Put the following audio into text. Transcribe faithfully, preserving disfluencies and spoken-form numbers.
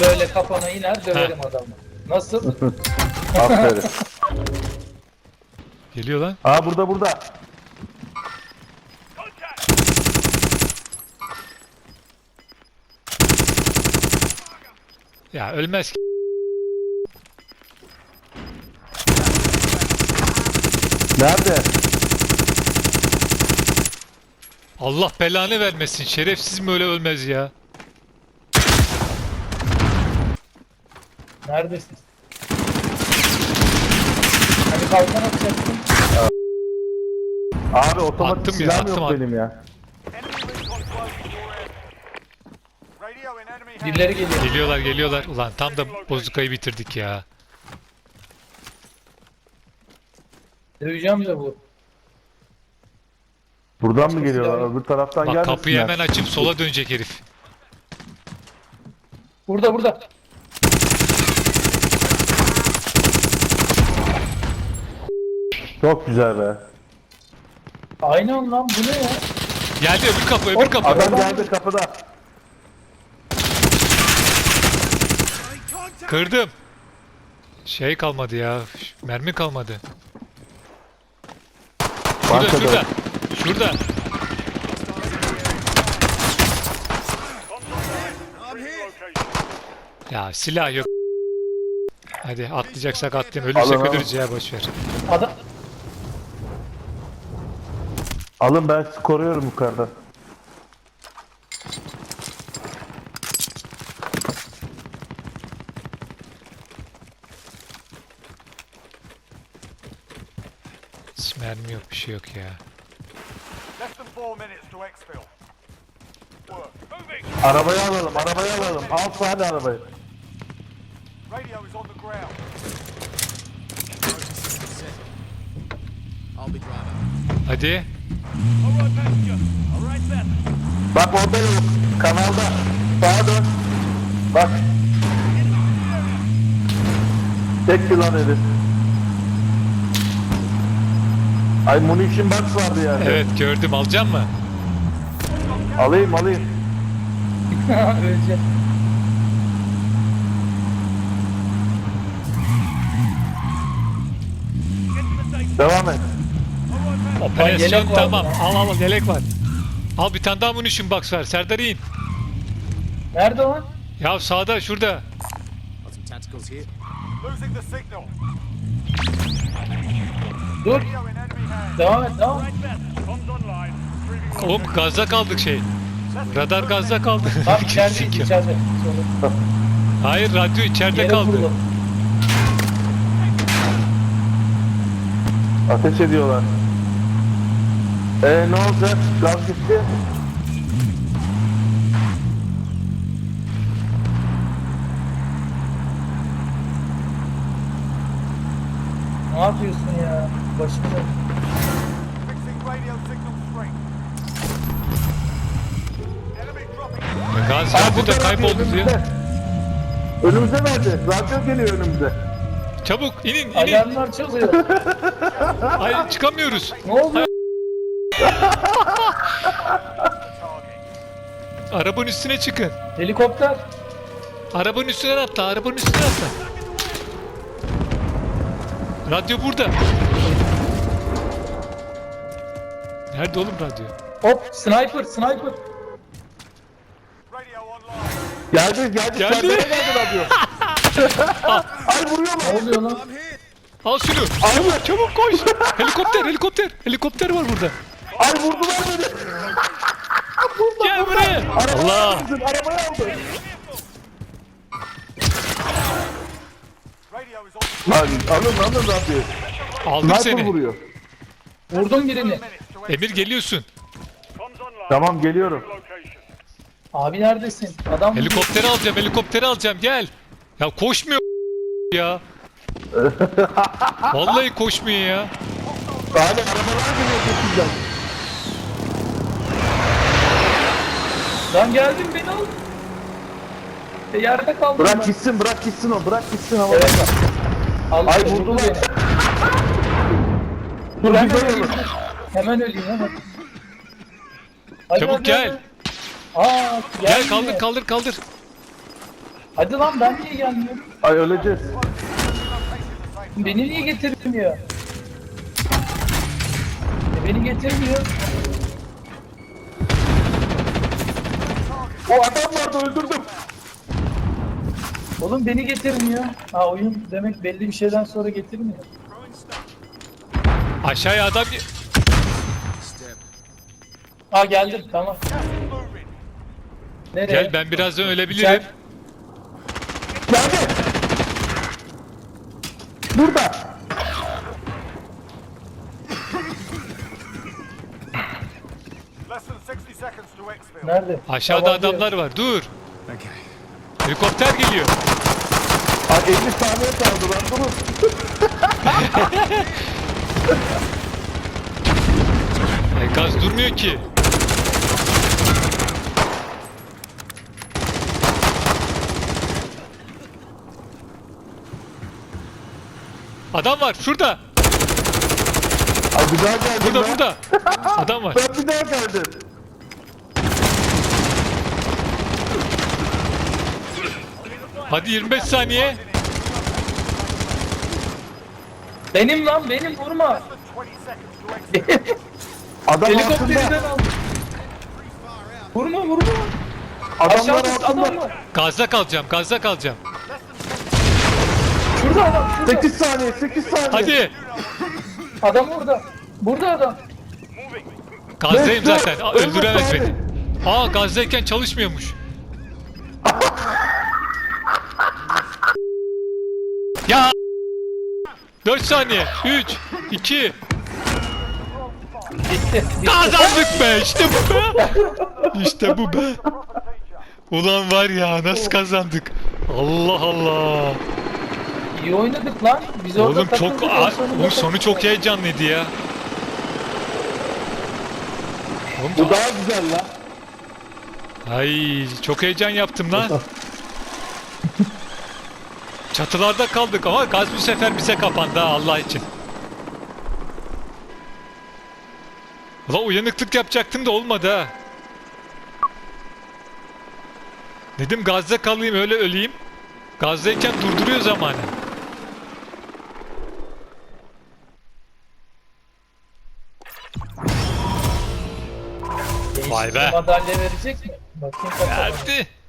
böyle kafana iner döverim adamı. Nasıl? Aferin. Geliyor lan. Aa burada burada. Ya ölmez ki. Nerede? Allah belanı vermesin. Şerefsiz mi öyle ölmez ya? Neredesin? Hani kalkan atacaksın. Abi otomatik Attım ya, silahım attım, yok attım. benim ya. Birileri geliyor. Geliyorlar geliyorlar. Ulan tam da bozukayı bitirdik ya. Döveceğim de bu. Buradan mı geliyorlar? Öbür taraftan Bak gelmesinler. kapıyı hemen açıp sola dönecek herif. Burada burada. Çok güzel be. Aynen lan bu ne ya? Geldi öbür kapı öbür kapı. Adam geldi kapıda. Kırdım. Şey kalmadı ya. Mermi kalmadı. Şurada Arkada. şurada. Şurada. Ya silah yok. Hadi atlayacaksak atlayalım. Ölürsek Alın, alın. ölürüz ya boşver. Adam Alın ben sizi koruyorum yukarıda. Hiç mermi yok bir şey yok ya. Arabayı alalım, arabayı alalım. Al hadi arabayı. Hadi. Bak orada yok. Kanalda. Sağa dön. Bak. Tek yılan herif. Ay munition box vardı yani. Evet gördüm. Alacak mı? Alayım alayım. ölecek. Devam et. Operasyon yelek var tamam. mı? Al al al, yelek var. Al bir tane daha munition box var. Serdar in. Nerede lan? Ya sağda şurada. Dur. Devam et devam et. Oğlum gazda kaldık şey. Radar gazda kaldı. Tam içeride içeride. Sonra Hayır radyo içeride yere kaldı. vurdu. Ateş ediyorlar. Eee ne olacak? Gaz gitti. Ne yapıyorsun ya? Başımda. Gaz Aa, radyoda burada kayboldu radyo diyor. önümüzde. Önümüze verdi. Radyo geliyor önümüze. Çabuk inin inin. Alarmlar çalıyor. Ay çıkamıyoruz. Ne oldu? Arabanın üstüne çıkın. Helikopter. Arabanın üstüne atla. Arabanın üstüne atla. Radyo burada. Nerede oğlum radyo? Hop sniper sniper. Geldi geldi. Geldi. Serdara geldi radyo. Ay vuruyor mu? Ne oluyor lan? Al şunu. Çabuk çabuk koş. Helikopter helikopter. Helikopter var burada. Ay vurdular beni. Gel buraya. Allah. Aldın, arabayı aldı. Lan alın alın radyoyu. Aldım Sniper seni. vuruyor. Vurdum birini. Emir geliyorsun. Tamam geliyorum. Abi neredesin? Adam Helikopteri alacağım helikopteri alacağım gel. Ya koşmuyor ya. Vallahi koşmuyor ya. Abi arabalar geliyor peşinden. Lan geldim beni al. E, yerde kaldım Bırak ben. gitsin bırak gitsin o bırak gitsin havada. Evet. Al, Ay vurdu vurdular. beni. Dur Hemen bir öleyim. böyle. Hemen öleyim hemen. Hadi, Çabuk hadi, gel. hadi. Aa, Gel geldi. kaldır kaldır kaldır. Hadi lan ben niye gelmiyorum? Ay öleceğiz. Beni niye getirmiyor? E, beni getirmiyor. O adam vardı öldürdüm. Oğlum beni getirmiyor. Ha oyun demek belli bir şeyden sonra getirmiyor. Aşağıya adam... Ha geldim tamam. Nereye? Gel ben birazdan ölebilirim. Gel. Geldi. Burada. Less than sixty seconds to exfil. Nerede? Aşağıda Tamam, diyor. adamlar var. Dur. Helikopter geliyor. Ay elli saniye kaldı lan durun. E, gaz durmuyor ki. Adam var şurada. Ay bir daha geldim Burada lan. burada. Adam var. Ben bir daha geldim. Hadi yirmi beş saniye. Benim lan benim vurma. twenty seconds to exfil. Adam Helikopterinden altında. al. Vurma vurma. Adamlar Aşağıda adam altında. var. Gazda kalacağım. Gazda kalacağım. Şurada adam şurada. sekiz saniye sekiz saniye. Hadi. Adam orada. Burada adam. Gazdayım Bekle. zaten. Aa, öldüremez Ölme beni. Aa gazdayken çalışmıyormuş. Ya. dört saniye. üç, iki. Bitti. Kazandık be. İşte bu be. İşte bu be. Ulan var ya nasıl kazandık. Allah Allah. İyi oynadık lan. Biz orada Oğlum çok takıldık, en Aa, sonunda bu sonu takıldık. çok heyecanlıydı ya. Oğlum, Bu daha güzel lan. ay çok heyecan yaptım lan. Çatılarda kaldık ama gaz bu sefer bize kapandı ha, Allah için. Ulan uyanıklık yapacaktım da olmadı ha. Dedim gazda kalayım öyle öleyim. Gazdayken durduruyor zamanı. Vay be. Madalya verecek mi? Bakayım kaç adam. Geldi.